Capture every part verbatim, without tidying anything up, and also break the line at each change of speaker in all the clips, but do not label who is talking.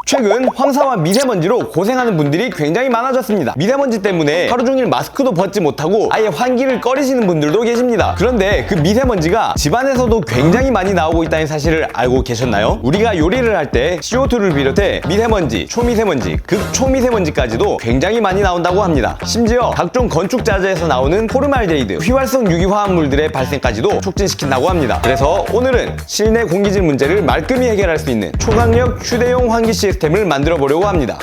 최근 황사와 미세먼지로 고생하는 분들이 굉장히 많아졌습니다. 미세먼지 때문에 하루 종일 마스크도 벗지 못하고 아예 환기를 꺼리시는 분들도 계십니다. 그런데 그 미세먼지가 집안에서도 굉장히 많이 나오고 있다는 사실을 알고 계셨나요? 우리가 요리를 할 때 씨오투를 비롯해 미세먼지, 초미세먼지, 극초미세먼지까지도 굉장히 많이 나온다고 합니다. 심지어 각종 건축자재에서 나오는 포르말데히드, 휘발성 유기화합물들의 발생까지도 촉진시킨다고 합니다. 그래서 오늘은 실내 공기질 문제를 말끔히 해결할 수 있는 초강력 휴대용 환기 시스템을 만들어 보려고 합니다.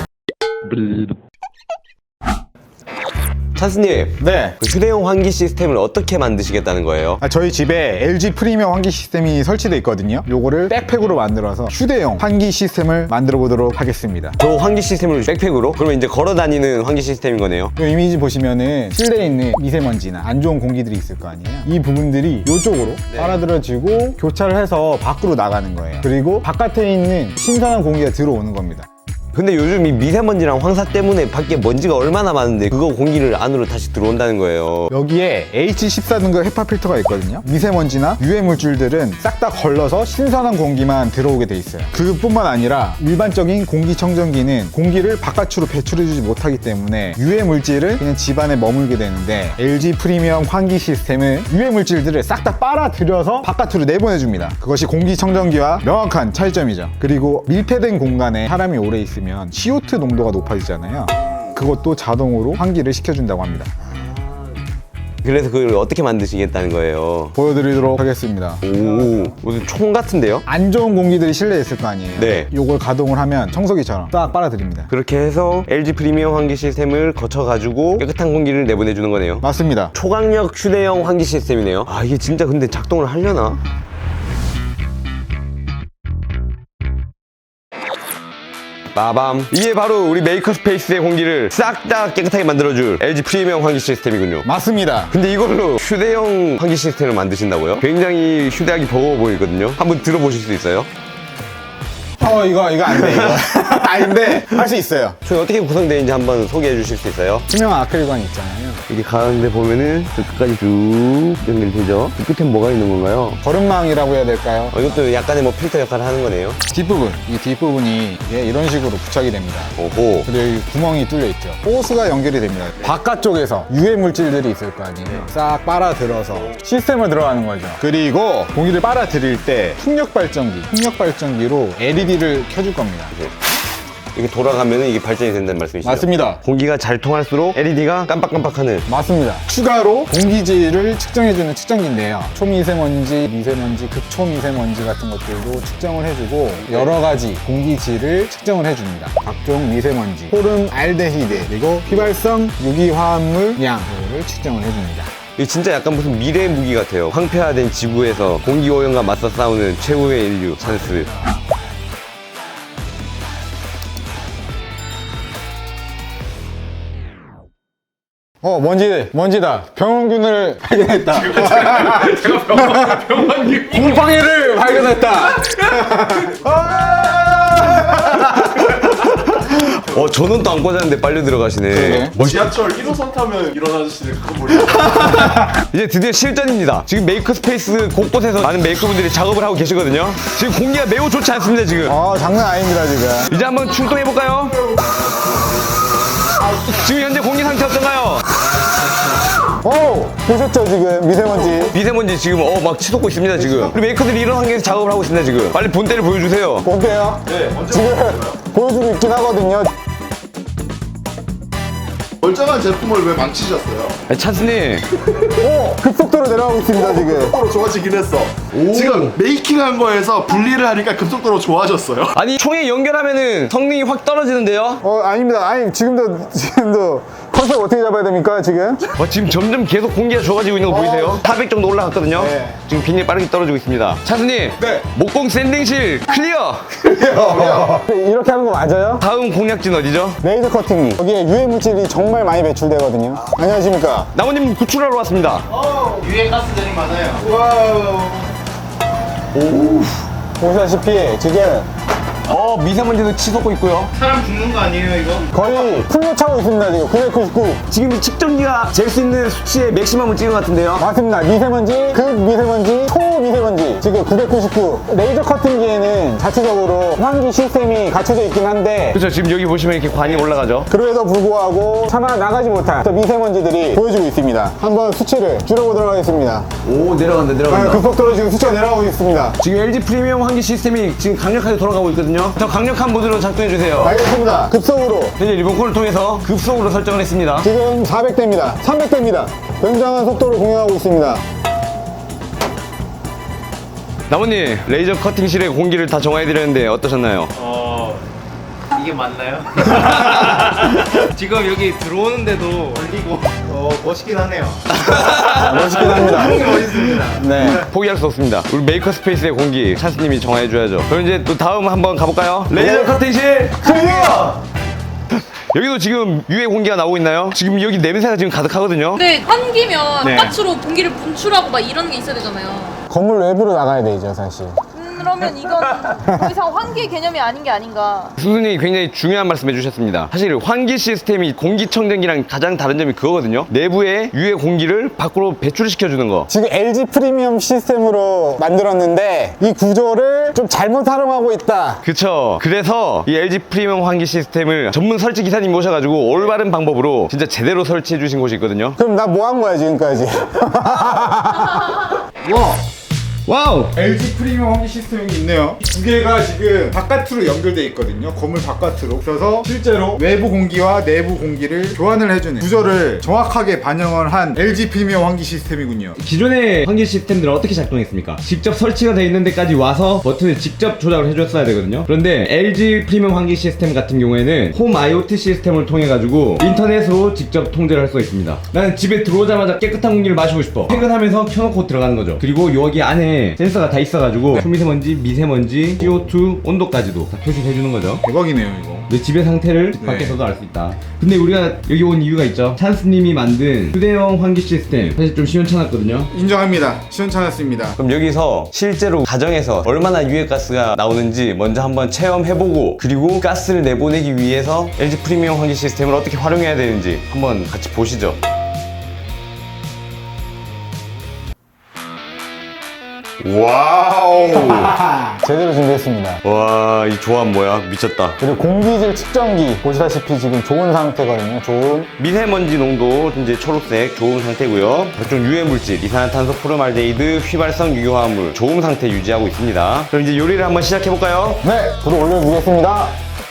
찬스님,
네.
그 휴대용 환기 시스템을 어떻게 만드시겠다는 거예요?
아, 저희 집에 엘지 프리미엄 환기 시스템이 설치되어 있거든요. 요거를 백팩으로 만들어서 휴대용 환기 시스템을 만들어 보도록 하겠습니다.
저 환기 시스템을 백팩으로? 그러면 이제 걸어 다니는 환기 시스템인 거네요.
이 이미지 보시면은 실내에 있는 미세먼지나 안 좋은 공기들이 있을 거 아니에요. 이 부분들이 이쪽으로
네.
빨아들여지고 교차를 해서 밖으로 나가는 거예요. 그리고 바깥에 있는 신선한 공기가 들어오는 겁니다.
근데 요즘 이 미세먼지랑 황사 때문에 밖에 먼지가 얼마나 많은데 그거 공기를 안으로 다시 들어온다는 거예요.
여기에 에이치 십사 등급 헤파 필터가 있거든요. 미세먼지나 유해 물질들은 싹 다 걸러서 신선한 공기만 들어오게 돼 있어요. 그뿐만 아니라 일반적인 공기청정기는 공기를 바깥으로 배출해주지 못하기 때문에 유해 물질은 그냥 집안에 머물게 되는데 엘지 프리미엄 환기 시스템은 유해 물질들을 싹 다 빨아들여서 바깥으로 내보내줍니다. 그것이 공기청정기와 명확한 차이점이죠. 그리고 밀폐된 공간에 사람이 오래 있으면 씨오투 농도가 높아지잖아요. 그것도 자동으로 환기를 시켜준다고 합니다.
그래서 그걸 어떻게 만드시겠다는 거예요?
보여드리도록 하겠습니다.
오, 무슨 총 같은데요?
안 좋은 공기들이 실내에 있을 거 아니에요.
네.
요걸 가동을 하면 청소기처럼 딱 빨아들입니다.
그렇게 해서 엘지 프리미엄 환기 시스템을 거쳐가지고 깨끗한 공기를 내보내주는 거네요.
맞습니다.
초강력 휴대용 환기 시스템이네요. 아, 이게 진짜 근데 작동을 하려나? 빠밤. 이게 바로 우리 메이커스페이스의 공기를 싹 다 깨끗하게 만들어줄 엘지 프리미엄 환기 시스템이군요.
맞습니다.
근데 이걸로 휴대용 환기 시스템을 만드신다고요? 굉장히 휴대하기 버거워 보이거든요. 한번 들어보실 수 있어요?
어 이거 이거 안 돼 이거. 아 근데 할 수 있어요.
저희 어떻게 구성되어 있는지 한번 소개해 주실 수 있어요?
투명 아크릴관 있잖아요.
이게 가운데 보면은 저 끝까지 쭉 연결되죠? 그 끝엔 뭐가 있는 건가요?
거름망이라고 해야 될까요?
어, 이것도 약간의 뭐 필터 역할을 하는 거네요.
뒷부분, 이 뒷부분이 이게 이런 식으로 부착이 됩니다.
오호.
그리고 여기 구멍이 뚫려 있죠. 호스가 연결이 됩니다. 바깥쪽에서 유해 물질들이 있을 거 아니에요. 싹 빨아들어서 시스템을 들어가는 거죠. 그리고 공기를 빨아들일 때 풍력 발전기, 풍력 발전기로 엘이디를 켜줄 겁니다.
이렇게 돌아가면은 이게 발전이 된다는 말씀이시죠?
맞습니다.
공기가 잘 통할수록 엘이디가 깜빡깜빡하는.
맞습니다. 추가로 공기질을 측정해주는 측정기인데요. 초미세먼지, 미세먼지, 극초미세먼지 같은 것들도 측정을 해주고 여러 가지 공기질을 측정을 해줍니다. 각종 미세먼지, 포름알데히드, 그리고 휘발성 유기화합물 양을 측정을 해줍니다.
이게 진짜 약간 무슨 미래 무기 같아요. 황폐화된 지구에서 공기오염과 맞서 싸우는 최후의 인류 찬스.
어 먼지 먼지다. 병원균을 발견했다.
제가 병원, 병원님.
곰팡이를 발견했다.
어, 저는 또 안 꽂았는데 빨리 들어가시네.
그러게.
뭐 지하철 일 호선 타면 이런 아저씨들 그거 모르
이제 드디어 실전입니다. 지금 메이커스페이스 곳곳에서 많은 메이커분들이 작업을 하고 계시거든요. 지금 공기가 매우 좋지 않습니다, 지금.
어 장난 아닙니다 지금.
이제 한번 출동해볼까요? 지금 현재 공기 상태 어떤가요?
오 보셨죠 지금 미세먼지.
미세먼지 지금 어 막 치솟고 있습니다, 지금. 우리 메이커들이 이런 환경에서 작업을 하고 있습니다, 지금. 빨리 본때를 보여주세요.
어때요?
네, 먼저
지금 보여주고 있긴 하거든요.
멀쩡한 제품을 왜 망치셨어요?
아니, 찬스님.
오 급속도로 내려가고 있습니다 지금.
급속도로 좋아지긴 했어. 지금 메이킹한 거에서 분리를 하니까 급속도로 좋아졌어요.
아니, 총에 연결하면은 성능이 확 떨어지는데요?
어 아닙니다. 아니 지금도 지금도 컨셉 어떻게 잡아야 됩니까 지금?
어, 지금 점점 계속 공기가 좋아지고 있는 거 보이세요? 사백 정도 올라갔거든요?
네.
지금 비닐 빠르게 떨어지고 있습니다. 찬스님.
네.
목공 샌딩실 클리어!
이렇게 하는 거 맞아요?
다음 공략진 어디죠?
레이저 커팅기. 여기에 유해 물질이 정말 많이 배출되거든요. 안녕하십니까?
나무님 구출하러 왔습니다.
유해 가스들이 많아요. 와우.
보시다시피 지금
어, 미세먼지도 치솟고 있고요.
사람 죽는 거 아니에요 이거?
거의 풀로 차고 있습니다, 지금. 구백구십구.
지금 이 측정기가 잴 수 있는 수치의 맥시멈을 찍은 것 같은데요.
맞습니다. 미세먼지, 극미세먼지, 초미세먼지. 지금 구백구십구. 레이저 커팅기에는 자체적으로 환기 시스템이 갖춰져 있긴 한데
그렇죠. 지금 여기 보시면 이렇게 관이 올라가죠.
그럼에도 불구하고 차마 나가지 못한 저 미세먼지들이 보여지고 있습니다. 한번 수치를 줄여보도록 하겠습니다.
오, 내려간다,
아,
내려간다.
급속도로 지금 수치가 내려가고 있습니다.
지금 엘지 프리미엄 환기 시스템이 지금 강력하게 돌아가고 있거든요. 더 강력한 모드로 작동해주세요.
알겠습니다. 급속으로.
현재 리모컨을 통해서 급속으로 설정을 했습니다.
지금 사백 대입니다. 삼백 대입니다. 굉장한 속도를 공유하고 있습니다.
나무님, 레이저 커팅실의 공기를 다 정화해드렸는데 어떠셨나요?
어... 이게 맞나요? 지금 여기 들어오는데도 걸리고 어 멋있긴 하네요.
멋있긴 합니다.
멋있습니다.
네, 포기할 수 없습니다. 우리 메이커 스페이스의 공기 찬스님이 정화해줘야죠. 그럼 이제 또 다음 한번 가볼까요? 레이저 커팅실 클리어! 여기도 지금 유해 공기가 나오고 있나요? 지금 여기 냄새가 지금 가득하거든요.
근데 환기면
네.
바깥으로 공기를 분출하고 막 이런 게 있어야 되잖아요.
건물 외부로 나가야 되죠, 사실.
음, 그러면 이건 더 이상 환기 개념이 아닌 게 아닌가.
수순이 굉장히 중요한 말씀 해주셨습니다. 사실 환기 시스템이 공기청정기랑 가장 다른 점이 그거거든요. 내부의 유해 공기를 밖으로 배출시켜주는 거.
지금 엘지 프리미엄 시스템으로 만들었는데 이 구조를 좀 잘못 활용하고 있다.
그쵸. 그래서 이 엘지 프리미엄 환기 시스템을 전문 설치 기사님 모셔가지고 올바른 방법으로 진짜 제대로 설치해 주신 곳이 있거든요.
그럼 나 뭐 한 거야, 지금까지?
와우!
엘지 프리미엄 환기 시스템이 있네요. 두 개가 지금 바깥으로 연결돼 있거든요. 건물 바깥으로. 그래서 실제로 외부 공기와 내부 공기를 교환을 해주는 구조를 정확하게 반영을 한 엘지 프리미엄 환기 시스템이군요.
기존의 환기 시스템들은 어떻게 작동했습니까? 직접 설치가 되어 있는 데까지 와서 버튼을 직접 조작을 해줬어야 되거든요. 그런데 엘지 프리미엄 환기 시스템 같은 경우에는 홈 아이오티 시스템을 통해 가지고 인터넷으로 직접 통제를 할 수가 있습니다. 나는 집에 들어오자마자 깨끗한 공기를 마시고 싶어. 퇴근하면서 켜놓고 들어가는 거죠. 그리고 여기 안에 센서가 다 있어가지고 초미세먼지, 미세먼지, 씨오투 온도까지도 다 표시를 해주는 거죠.
대박이네요, 이거.
내 집의 상태를
네.
밖에서도 알 수 있다. 근데 우리가 여기 온 이유가 있죠. 찬스님이 만든 휴대용 환기 시스템 사실 좀 시원찮았거든요.
인정합니다. 시원찮았습니다.
그럼 여기서 실제로 가정에서 얼마나 유해가스가 나오는지 먼저 한번 체험해보고 그리고 가스를 내보내기 위해서 엘지 프리미엄 환기 시스템을 어떻게 활용해야 되는지 한번 같이 보시죠. 와우!
제대로 준비했습니다.
와, 이 조합 뭐야? 미쳤다.
그리고 공기질 측정기 보시다시피 지금 좋은 상태거든요. 좋은.
미세먼지 농도 이제 초록색 좋은 상태고요. 각종 유해 물질, 이산화탄소, 포르말데히드, 휘발성 유효화물 좋은 상태 유지하고 있습니다. 그럼 이제 요리를 한번 시작해 볼까요?
네, 불을 올려주겠습니다.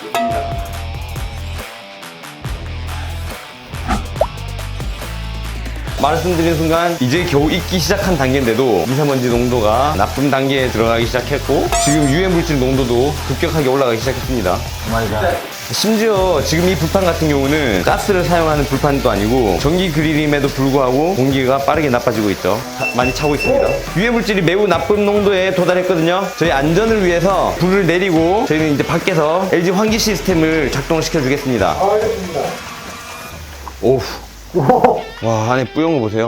말씀드린 순간 이제 겨우 익기 시작한 단계인데도 미세먼지 농도가 나쁨 단계에 들어가기 시작했고 지금 유해 물질 농도도 급격하게 올라가기 시작했습니다.
마이갓.
심지어 지금 이 불판 같은 경우는 가스를 사용하는 불판도 아니고 전기 그릴임에도 불구하고 공기가 빠르게 나빠지고 있죠. 차- 많이 차고 있습니다. 유해 물질이 매우 나쁜 농도에 도달했거든요. 저희 안전을 위해서 불을 내리고 저희는 이제 밖에서 엘지 환기 시스템을 작동을 시켜주겠습니다.
알겠습니다.
오우. 와, 안에 뿌연 거 보세요.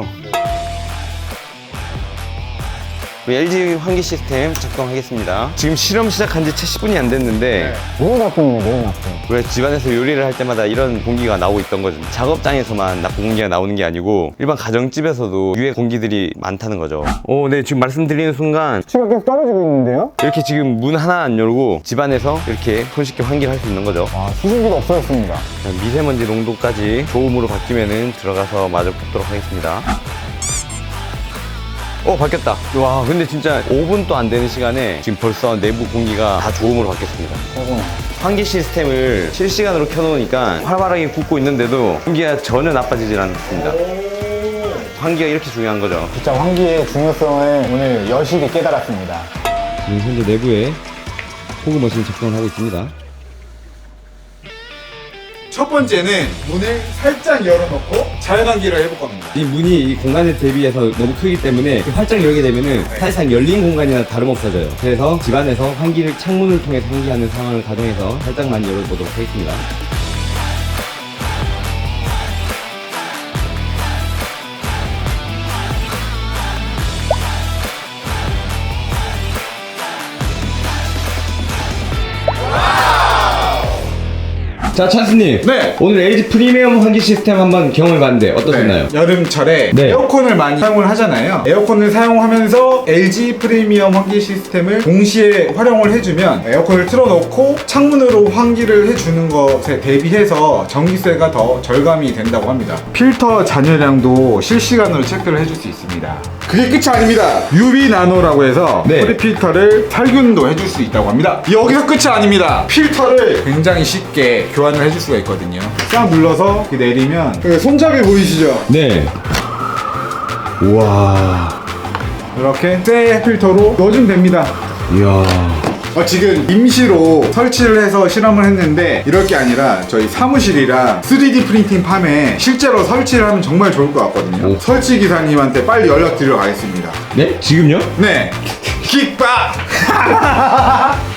우리 엘지 환기 시스템 작동하겠습니다. 지금 실험 시작한 지 채 십 분이 안 됐는데
너무 나쁨이네, 너무 나쁨.
왜 집안에서 요리를 할 때마다 이런 공기가 나오고 있던 거죠. 작업장에서만 나쁜 공기가 나오는 게 아니고 일반 가정집에서도 유해 공기들이 많다는 거죠. 오, 네, 지금 말씀드리는 순간
수치가 계속 떨어지고 있는데요?
이렇게 지금 문 하나 안 열고 집안에서 이렇게 손쉽게 환기를 할 수 있는 거죠.
아, 수증기가 없어졌습니다.
미세먼지 농도까지 좋음으로 바뀌면은 들어가서 마저 굽도록 하겠습니다. 어, 바뀌었다. 와, 근데 진짜 오 분도 안 되는 시간에 지금 벌써 내부 공기가 다 좋음으로 바뀌었습니다.
최고네.
환기 시스템을 실시간으로 켜놓으니까 활발하게 굽고 있는데도 공기가 전혀 나빠지질 않습니다. 환기가 이렇게 중요한 거죠.
진짜 환기의 중요성을 오늘 여실히 깨달았습니다.
지금 현재 내부에 호구 머신이 작동을 하고 있습니다.
첫 번째는 문을 살짝 열어놓고 자연환기를 해볼 겁니다.
이 문이 이 공간에 대비해서 너무 크기 때문에 활짝 열게 되면은 사실상 열린 공간이나 다름없어져요. 그래서 집안에서 환기를 창문을 통해서 환기하는 상황을 가정해서 살짝만 열어보도록 하겠습니다. 자, 찬스님.
네.
오늘 엘지 프리미엄 환기 시스템 한번 경험해봤는데 어떠셨나요?
네. 여름철에
네.
에어컨을 많이 사용을 하잖아요. 에어컨을 사용하면서 엘지 프리미엄 환기 시스템을 동시에 활용을 해주면 에어컨을 틀어놓고 창문으로 환기를 해주는 것에 대비해서 전기세가 더 절감이 된다고 합니다. 필터 잔여량도 실시간으로 체크를 해줄 수 있습니다. 그게 끝이 아닙니다. 유비 나노라고 해서
네.
프리필터를 살균도 해줄 수 있다고 합니다. 여기서 끝이 아닙니다. 필터를 굉장히 쉽게 교환을 해줄 수가 있거든요. 싹 눌러서 이렇게 내리면 그 손잡이 보이시죠?
네. 우와.
이렇게 새 필터로 넣어주면 됩니다.
이야.
어, 지금 임시로 설치를 해서 실험을 했는데 이럴 게 아니라 저희 사무실이랑 쓰리디 프린팅 팜에 실제로 설치를 하면 정말 좋을 것 같거든요.
오.
설치 기사님한테 빨리 연락 드리러 가겠습니다.
네? 지금요?
네. 킥박!